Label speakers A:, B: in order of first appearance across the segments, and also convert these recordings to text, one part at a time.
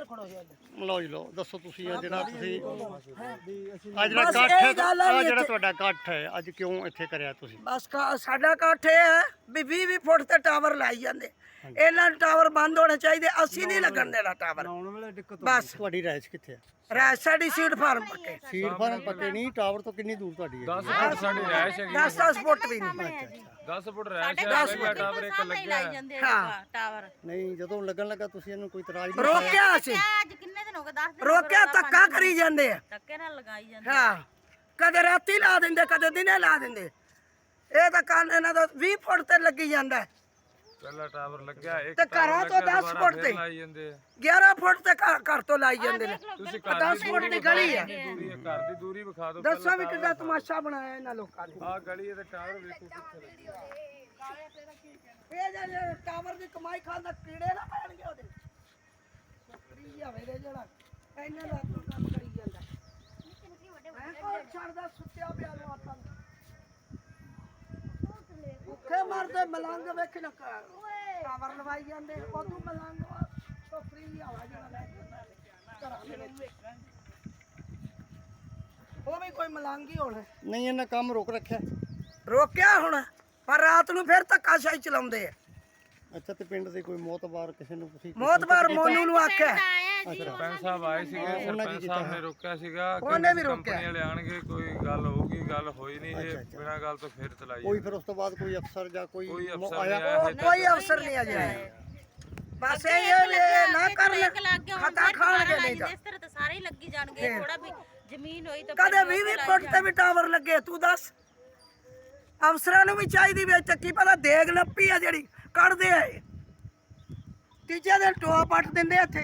A: ਲਓ ਜੀ ਲਓ, ਦੱਸੋ ਤੁਸੀਂ ਆ ਜਿਹੜਾ ਤੁਸੀਂ ਆ ਜਿਹੜਾ ਇਕੱਠ ਹੈ, ਆ ਜਿਹੜਾ ਤੁਹਾਡਾ ਇਕੱਠ ਹੈ ਅੱਜ ਕਿਉਂ ਇੱਥੇ ਕਰਿਆ ਤੁਸੀਂ?
B: ਬਸ ਸਾਡਾ ਇਕੱਠ ਇਹ ਹੈ ਵੀ 20 ਫੁੱਟ ਤੇ ਟਾਵਰ ਲਾਈ ਜਾਂਦੇ, ਇਹਨਾਂ ਨੂੰ ਟਾਵਰ ਬੰਦ ਹੋਣੇ ਚਾਹੀਦੇ, ਅਸੀਂ ਨਹੀਂ ਲੱਗਣ ਦੇਣਾ ਟਾਵਰ। ਬਸ
A: ਤੁਹਾਡੀ ਰਾਇਸ਼ ਕਿੱਥੇ ਹੈ?
B: ਰਾਜ ਸਾਡੀ ਸੀਟ ਫਾਰਮ ਪੱਕੇ,
A: ਸੀਡ ਫਾਰਮ ਪੱਕੇ ਨਹੀਂ, ਟਾਵਰ ਤੋਂ ਕਿੰਨੀ ਦੂਰ ਤੁਹਾਡੀ ਹੈ?
C: 10 ਫੁੱਟ ਸਾਡੀ ਰਹਿائش ਹੈਗੀ,
B: 10 ਫੁੱਟ ਵੀ ਨਹੀਂ।
C: 10 ਫੁੱਟ ਰਹਿائش ਹੈ, ਪਹਿਲਾ ਟਾਵਰ ਇੱਕ ਲੱਗਿਆ
B: ਹਾਂ
D: ਟਾਵਰ
A: ਨਹੀਂ, ਜਦੋਂ ਲੱਗਣ ਲੱਗਾ ਤੁਸੀਂ ਇਹਨੂੰ ਕੋਈ ਇਤਰਾਜ਼ ਨਹੀਂ
B: ਰੋਕਿਆ ਅਸੀਂ,
D: ਅੱਜ ਕਿੰਨੇ ਦਿਨ ਹੋ ਗਏ 10 ਦਿਨ
B: ਰੋਕਿਆ ਧੱਕਾ ਕਰੀ ਜਾਂਦੇ ਆ।
D: ਧੱਕੇ ਨਾਲ ਲਗਾਈ ਜਾਂਦੇ
B: ਹਾਂ ਕਦੇ ਰਾਤੀ ਲਾ ਦਿੰਦੇ, ਕਦੇ ਦਿਨੇ ਲਾ ਦਿੰਦੇ। ਇਹ ਤਾਂ ਕੰਨ ਇਹਨਾਂ ਦਾ 20 ਫੁੱਟ ਤੇ ਲੱਗੀ ਜਾਂਦਾ,
C: ਪਹਿਲਾ ਟਾਵਰ ਲੱਗਿਆ ਇੱਕ
B: ਤੇ ਘਰਾਂ ਤੋਂ 10 ਫੁੱਟ ਤੇ
C: ਲਾਈ ਜਾਂਦੇ ਆ।
B: 11 ਫੁੱਟ ਤੇ ਘਰ ਤੋਂ ਲਾਈ ਜਾਂਦੇ ਨੇ।
C: ਤੁਸੀਂ
B: 10 ਫੁੱਟ ਦੀ ਗਲੀ ਹੈ,
C: ਦੂਰੀ ਹੈ, ਘਰ ਦੀ ਦੂਰੀ ਵਿਖਾ ਦਿਓ।
B: ਦੱਸੋ ਵੀ ਕਿੱਦਾਂ ਤਮਾਸ਼ਾ ਬਣਾਇਆ ਇਹਨਾਂ ਲੋਕਾਂ ਨੇ।
C: ਆਹ ਗਲੀ ਤੇ ਟਾਵਰ ਵੇਖੋ ਕਿੱਥੇ ਲੱਗਿਆ।
B: ਇਹ ਜਿਹੜੇ ਟਾਵਰ ਦੀ ਕਮਾਈ ਖਾਂਦਾ ਕੀੜੇ ਨਾ ਪੈਣਗੇ ਉਹਦੇ। ਬੱਕਰੀ ਆਵੇ ਦੇ ਜਿਹੜਾ ਇਹਨਾਂ ਦਾ ਕੰਮ ਕਰੀ ਜਾਂਦਾ। ਮੈਂ ਕੋਲ ਛੱਡਦਾ ਸੁੱਤਿਆ ਪਿਆ ਨੂੰ ਆਪਾਂ ਨੂੰ। ਭੁੱਖੇ ਮਰਦੇ ਮਲੰਗ ਵੇਖ ਨਾ ਟਾਵਰ ਲਵਾਈ ਜਾਂਦੇ, ਉਦੋਂ ਮਲੰਗ ਤੋਂ ਫ੍ਰੀ ਹਵਾ ਜਿਹੜਾ ਲੈ ਜਾਂਦਾ ਘਰਾਂ ਦੇ ਵਿੱਚ। ਉਹ ਵੀ ਕੋਈ ਮਲੰਗ ਹੀ ਹੋਣਾ।
A: ਨਹੀਂ, ਇਹਨਾਂ ਕੰਮ ਰੋਕ ਰੱਖਿਆ।
B: ਰੋਕਿਆ ਹੁਣ, ਪਰ ਰਾਤ ਨੂੰ ਫਿਰ ਧੱਕਾਸ਼ਾਹੀ ਚਲਾਉਂਦੇ ਆ।
A: ਅੱਛਾ, ਤੇ ਪਿੰਡ ਦੇ ਕੋਈ ਮੋਤਬਾਰ ਕਿਸੇ ਨੂੰ ਤੁਸੀਂ
B: ਮੋਤਬਾਰ ਮੋਨੂ ਨੂੰ ਆਖਿਆ,
C: ਸਰਪੰਚ ਸਾਹਿਬ ਆਏ ਸੀਗੇ, ਸਰਪੰਚ ਸਾਹਿਬ ਨੇ ਰੋਕਿਆ ਸੀਗਾ
B: ਉਹਨੇ ਵੀ
C: ਕਿ
B: ਰੋਕਿਆ।
C: ਕੰਪਨੀ ਵਾਲੇ ਆਣਗੇ, ਕੋਈ ਗੱਲ ਹੋਊਗੀ, ਗੱਲ ਹੋਈ ਨਹੀਂ, ਇਹ ਬਿਨਾਂ ਗੱਲ ਤੋਂ ਫਿਰ ਚਲਾਈ
A: ਕੋਈ ਫਿਰ ਉਸ ਤੋਂ ਬਾਅਦ ਕੋਈ ਅਫਸਰ ਜਾਂ ਕੋਈ
C: ਕੋਈ ਅਫਸਰ
A: ਆਇਆ?
C: ਨਹੀਂ ਆਇਆ।
B: ਕੋਈ ਅਫਸਰ ਨਹੀਂ ਅਜੇ ਆਇਆ। ਬਸ ਇਹ ਨਾ ਕਰਨ ਖਤਾ ਖਾਣਗੇ ਨਹੀਂ ਤਾਂ
D: ਇਸ ਤਰ੍ਹਾਂ ਤਾਂ ਸਾਰੇ ਹੀ ਲੱਗੀ ਜਾਣਗੇ, ਥੋੜਾ ਵੀ ਜ਼ਮੀਨ ਹੋਈ ਤਾਂ
B: ਕਦੇ 20 ਫੁੱਟ ਤੇ ਵੀ ਟਾਵਰ ਲੱਗੇ। ਤੂੰ ਦੱਸ, ਅਫਸਰਾਂ ਨੂੰ ਵੀ ਚਾਹੀਦੀ ਵੀ ਕੀ ਪਤਾ ਦੇਗ ਨੱਪੀ ਆ ਜਿਹੜੀ ਕੱਢਦੇ ਆ, ਤੀਜੇ ਦਿਨ ਟੋਆ ਪੱਟ ਦਿੰਦੇ ਇੱਥੇ,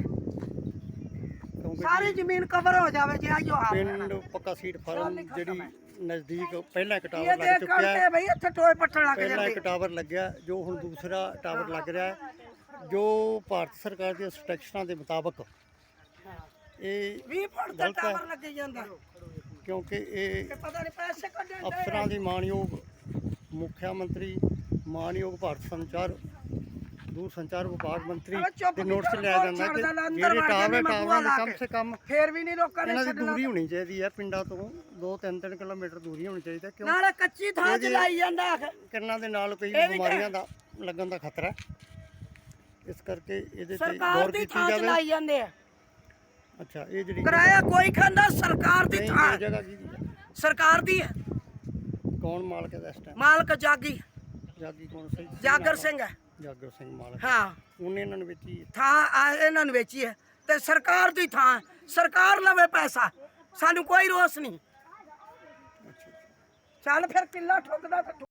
B: ਸਾਰੀ ਜ਼ਮੀਨ ਕਵਰ ਹੋ ਜਾਵੇ ਜੇ ਆਇਓ ਹਾਲ।
A: ਪਿੰਡ ਪੱਕਾ ਸੀਡ ਫਾਰਮ ਜਿਹੜੀ ਨਜ਼ਦੀਕ ਪਹਿਲਾਂ ਇੱਕ
B: ਇਹ
A: ਟਾਵਰ
B: ਦੇਖ
A: ਲੱਗ ਚੁੱਕਿਆ
B: ਕਰਦੇ
A: ਹੈ,
B: ਬਈ ਇੱਥੇ ਟੋਏ ਪੱਟਣ ਲੱਗ
A: ਪਹਿਲਾਂ ਇੱਕ
B: ਜਾਂਦੇ।
A: ਟਾਵਰ ਲੱਗਿਆ, ਜੋ ਹੁਣ ਦੂਸਰਾ ਟਾਵਰ ਲੱਗ ਰਿਹਾ ਹੈ, ਜੋ ਭਾਰਤ ਸਰਕਾਰ ਦੀਆਂ ਇੰਸਟਰਕਸ਼ਨਾਂ ਦੇ ਮੁਤਾਬਕ ਇਹ
B: 20 ਫੁੱਟ ਤੇ
A: ਗਲਤ ਹੈ।
B: ਟਾਵਰ ਲੱਗੇ ਜਾਂਦਾ,
A: ਕਿਉਂਕਿ ਇਹ
B: ਤੇ ਪਤਾ ਨਹੀਂ ਪੈਸੇ ਕੱਢਣ
A: ਅਫਸਰਾਂ ਦੀ ਮਾਨਯੋਗ ਮੁੱਖ ਮੰਤਰੀ, ਮਾਨਯੋਗ ਭਾਰਤ ਦੂਰ ਸੰਚਾਰ ਵਿਭਾਗ ਮੰਤਰੀ ਦੇ ਨੋਟਿਸ ਲਿਆ ਜਾਂਦਾ ਕਿ ਜਿਹੜੇ ਟਾਵਰਾਂ ਦੇ ਕਮ ਸੇ ਕਮ
B: ਫੇਰ ਵੀ ਨਹੀਂ ਲੋਕਾਂ ਨੇ
A: ਇਹਨਾਂ ਦੀ
B: ਛੱਡਣਾ।
A: ਦੂਰੀ ਹੋਣੀ ਚਾਹੀਦੀ ਹੈ, ਪਿੰਡਾਂ ਤੋਂ 2-3 ਕਿਲੋਮੀਟਰ ਦੂਰੀ ਹੋਣੀ ਚਾਹੀਦੀ ਹੈ, ਕਿਉਂ
B: ਨਾਲੇ ਕੱਚੀ ਥਾਂ ਚ ਲਾਈ ਜਾਂਦਾ।
A: ਕਿਰਨਾਂ ਦੇ ਨਾਲ ਕਈ
B: ਇਹ ਵੀ
A: ਬਿਮਾਰੀਆਂ ਦਾ ਲੱਗਣ ਦਾ ਖਤਰਾ ਹੈ, ਇਸ ਕਰਕੇ ਇਹਦੇ ਤੇ
B: ਸਰਕਾਰ
A: ਗੌਰ
B: ਦੀ
A: ਕੀਤੀ
B: ਥਾਂ ਚ
A: ਜਾਵੇ।
B: ਲਾਈ ਜਾਂਦੇ ਆ,
A: ਅੱਛਾ, ਇਹ ਜਿਹੜੀ
B: ਕਿਰਾਇਆ ਕੋਈ ਖਾਂਦਾ, ਸਰਕਾਰ ਦੀ
A: ਨਹੀਂ,
B: ਥਾਂ
A: ਇਹ ਜਗ੍ਹਾ ਕਿਹਦੀ ਹੈ?
B: ਸਰਕਾਰ ਦੀ ਹੈ।
A: ਕੌਣ ਮਾਲਕ ਹੈ ਇਸ ਟਾਈਮ?
B: ਮਾਲਕ ਜਾਗੀ
A: ਜਾਗੀ ਕੌਣ ਸਹੀ?
B: ਜਾਗਰ ਸਿੰਘ ਹੈ।
A: ਜਾਗਰ ਸਿੰਘ ਮਾਲਕ।
B: ਹਾਂ,
A: ਉਹਨੇ ਇਹਨਾਂ ਨੂੰ ਵੇਚੀ ਹੈ।
B: ਥਾਂ ਇਹਨਾਂ ਨੂੰ ਵੇਚੀ ਹੈ ਤੇ ਸਰਕਾਰ ਦੀ ਥਾਂ, ਸਰਕਾਰ ਲਵੇ ਪੈਸਾ, ਸਾਨੂੰ ਕੋਈ ਰੋਸ ਨਹੀਂ। ਚੱਲ ਫਿਰ ਕਿੱਲਾ ਠੋਕਦਾ ਤੇ